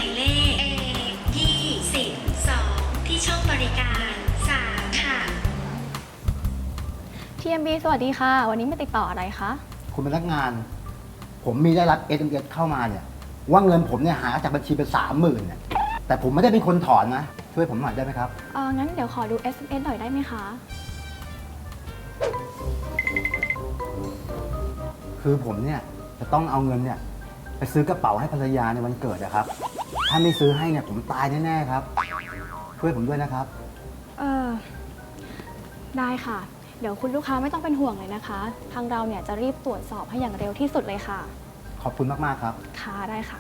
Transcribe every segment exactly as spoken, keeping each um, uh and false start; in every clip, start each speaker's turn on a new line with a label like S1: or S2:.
S1: ายเลข เอ ยี่สิบสอง ที่ช่องบริการสามค่ะ
S2: ที เอ็ม บี สวัสดีค่ะ วันนี้มาติดต่ออะไรคะ
S3: คุณพนักงาน ผมมีได้รับ เอส เอ็ม เอส เข้ามาเนี่ยว่าเงินผมเนี่ยหายจากบัญชีเป็นสามหมื่นเนี่ยแต่ผมไม่ได้เป็นคนถอนนะ ช่วยผมหน่อยได้ไหมครับ
S2: เอองั้นเดี๋ยวขอดู เอส เอ็ม เอส หน่อยได้ไหมคะ
S3: คือผมเนี่ยจะต้องเอาเงินเนี่ยไปซื้อกระเป๋าให้ภรรยาในวันเกิดนะครับ ถ้าไม่ซื้อให้เนี่ยผมตายแน่ๆครับ ช่วยผมด้วยนะครับ
S2: เออได้ค่ะ เดี๋ยวคุณลูกค้าไม่ต้องเป็นห่วงเลยนะคะ ทางเราเนี่ยจะรีบตรวจสอบให้อย่างเร็วที่สุดเลยค่ะ
S3: ขอบคุณมากๆครับ
S2: ค่ะได้ค่ะ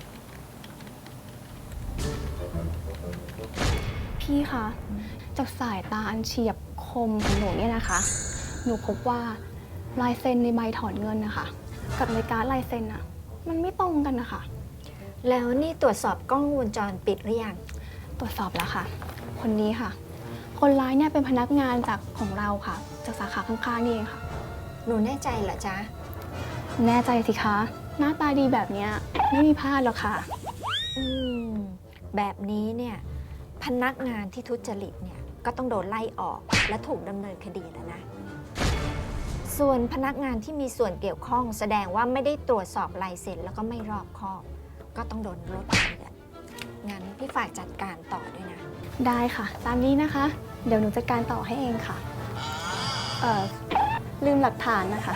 S2: พี่คะจากสายตาอันเฉียบคมของหนูเนี่ยนะคะ หนูพบว่าลายเซ็นในใบถอนเงินนะคะกับในการดลายเซ็นอะมันไม่ตรงกันนะคะ
S4: แล้วนี่ตรวจสอบกล้องวงจรปิดหรือยัง
S2: ตรวจสอบแล้วค่ะ คนนี้ค่ะ คนร้ายเนี่ยเป็นพนักงานจากของเราค่ะ จากสาขาข้างๆนี่เองค่ะ
S4: หนูแน่ใจเหรอจ๊ะ
S2: แน่ใจสิคะ หน้าตาดีแบบเนี้ยไม่มีพลาดหรอกค่ะ
S4: อืม แบบนี้เนี่ยพนักงานที่ทุจริตเนี่ยก็ต้องโดนไล่ออกและถูกดำเนินคดีแล้วนะ ส่วนพนักงานที่มีส่วนเกี่ยวข้องแสดงว่าไม่ได้ตรวจสอบลายเซ็นแล้วก็ไม่รอบคอบ ก็ต้องโดนลดเงินงั้นพี่ฝากจัดการต่อด้วยนะ
S2: ได้ค่ะ ตามนี้นะคะ เดี๋ยวหนูจัดการต่อให้เองค่ะ เอ่อ ลืมหลักฐานนะคะ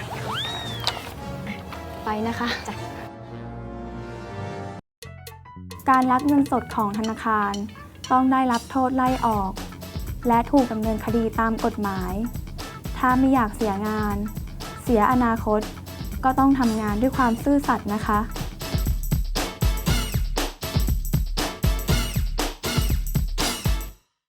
S2: ไปนะคะจ้ะการลักเงินสดของธนาคารต้องได้รับโทษไล่ออก และถูกดำเนินคดีตามกฎหมาย ถ้าไม่อยากเสียงาน เสียอนาคต ก็ต้องทำงานด้วยความซื่อสัตย์นะคะ